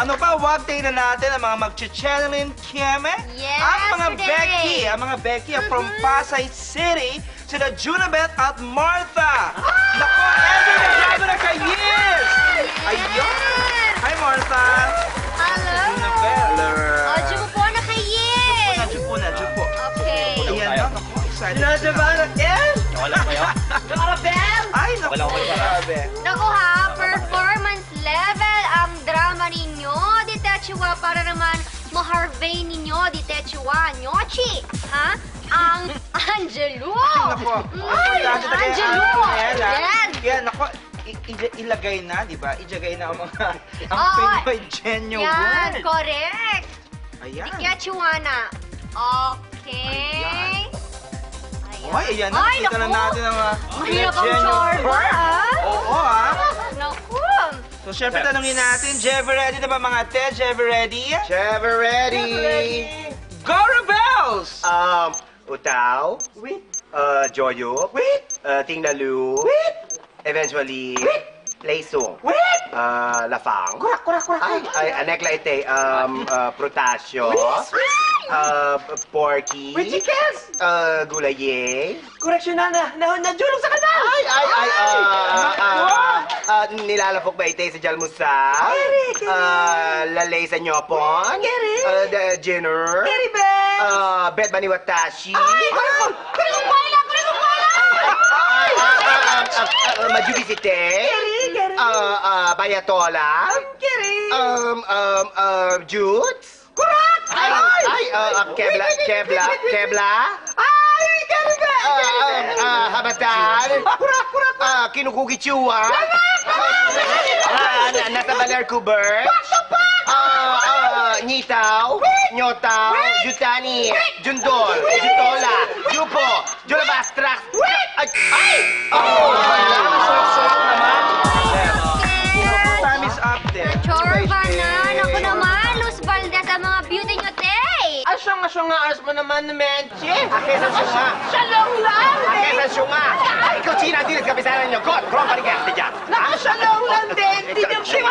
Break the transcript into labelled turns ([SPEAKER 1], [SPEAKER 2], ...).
[SPEAKER 1] Ano pa, wag tingnan natin ang mga mag-channeling Kieme.
[SPEAKER 2] Yes,
[SPEAKER 1] Ang mga Becky from Pasay City, sila Junabeth at Martha. Nako, Ever na grabe na ka-years! Ayun! Hi, Martha!
[SPEAKER 2] Hello!
[SPEAKER 1] Junabeth.
[SPEAKER 2] O, Diyo po na kayin!
[SPEAKER 1] Nadyo po.
[SPEAKER 2] Okay.
[SPEAKER 1] Ayan na, naku, excited. Nadyo again?
[SPEAKER 3] Wala ko kayo?
[SPEAKER 2] Bell!
[SPEAKER 1] Ay, naku,
[SPEAKER 3] Wala ko kayo.
[SPEAKER 1] grabe.
[SPEAKER 2] Naku ha, performance level ang drama ninyo, di Techua, para naman ma-harvey ninyo, di Techua, Nyochi, ha? Ang Angelo!
[SPEAKER 1] Naku,
[SPEAKER 2] Ang Angelo! Yes!
[SPEAKER 1] Kaya, naku, ilagay na, di ba? Ilagay na ang mga ang
[SPEAKER 2] Oo.
[SPEAKER 1] Pinoy genuine
[SPEAKER 2] Yan,
[SPEAKER 1] word.
[SPEAKER 2] correct!
[SPEAKER 1] Ayan.
[SPEAKER 2] Di Techua na. Okay.
[SPEAKER 1] Ayan. Ay, ayan na.
[SPEAKER 2] Ay,
[SPEAKER 1] Kita na
[SPEAKER 2] naku.
[SPEAKER 1] natin ang
[SPEAKER 2] Mahirap ang
[SPEAKER 1] genuine
[SPEAKER 2] chorba,
[SPEAKER 1] word.
[SPEAKER 2] ah.
[SPEAKER 1] Oo, ha?
[SPEAKER 2] Naku!
[SPEAKER 1] So, syempre, tanongin natin, Jever ready na ba mga te? Jever ready?
[SPEAKER 4] Never ready.
[SPEAKER 1] Go Rebels!
[SPEAKER 4] Utaw.
[SPEAKER 1] Wait.
[SPEAKER 4] Joyo.
[SPEAKER 1] Wait.
[SPEAKER 4] Tingnalu.
[SPEAKER 1] Wait.
[SPEAKER 4] Eventually. Leisong.
[SPEAKER 1] Wait.
[SPEAKER 4] Lafang.
[SPEAKER 1] Kurak.
[SPEAKER 4] Ay, anekla ite. Protasyo. Porky.
[SPEAKER 1] Wait, chickens!
[SPEAKER 4] Gulaye.
[SPEAKER 1] Correction na. Najulog sa kanal!
[SPEAKER 4] Nilalapok ba ite sa Jalmusa?
[SPEAKER 1] Keri.
[SPEAKER 4] Lalay sa Nyopon?
[SPEAKER 1] Keri.
[SPEAKER 4] Jenner?
[SPEAKER 1] Keri, Ben!
[SPEAKER 4] Bet ba ni Watashi? Majubisite?
[SPEAKER 1] Keri.
[SPEAKER 4] Bayatola?
[SPEAKER 1] Keri.
[SPEAKER 4] Jutes?
[SPEAKER 1] Kurak!
[SPEAKER 4] Kebla?
[SPEAKER 1] Ay, Keri, Ben!
[SPEAKER 4] Habatan?
[SPEAKER 1] Kurak!
[SPEAKER 4] Kinukukichua? Nasa Baler Kubert? Nitaw? Nyotaw? Jutani? Jundol? Jutola? Jupo? Julabastrax? Ay!
[SPEAKER 1] Sarap naman. Time is up there.
[SPEAKER 2] Chorba na! Naku naman, Luz Valdez, ang mga beauty nyo, Tay!
[SPEAKER 4] Asyong nga as mo naman, Menchi. Akesa syunga.
[SPEAKER 1] Shalom lang!
[SPEAKER 4] Akesa syunga. Ikaw, China, dilis kapisanan niyo. God, kurang ka rin kaya dyan.
[SPEAKER 1] Shalom lang din! Di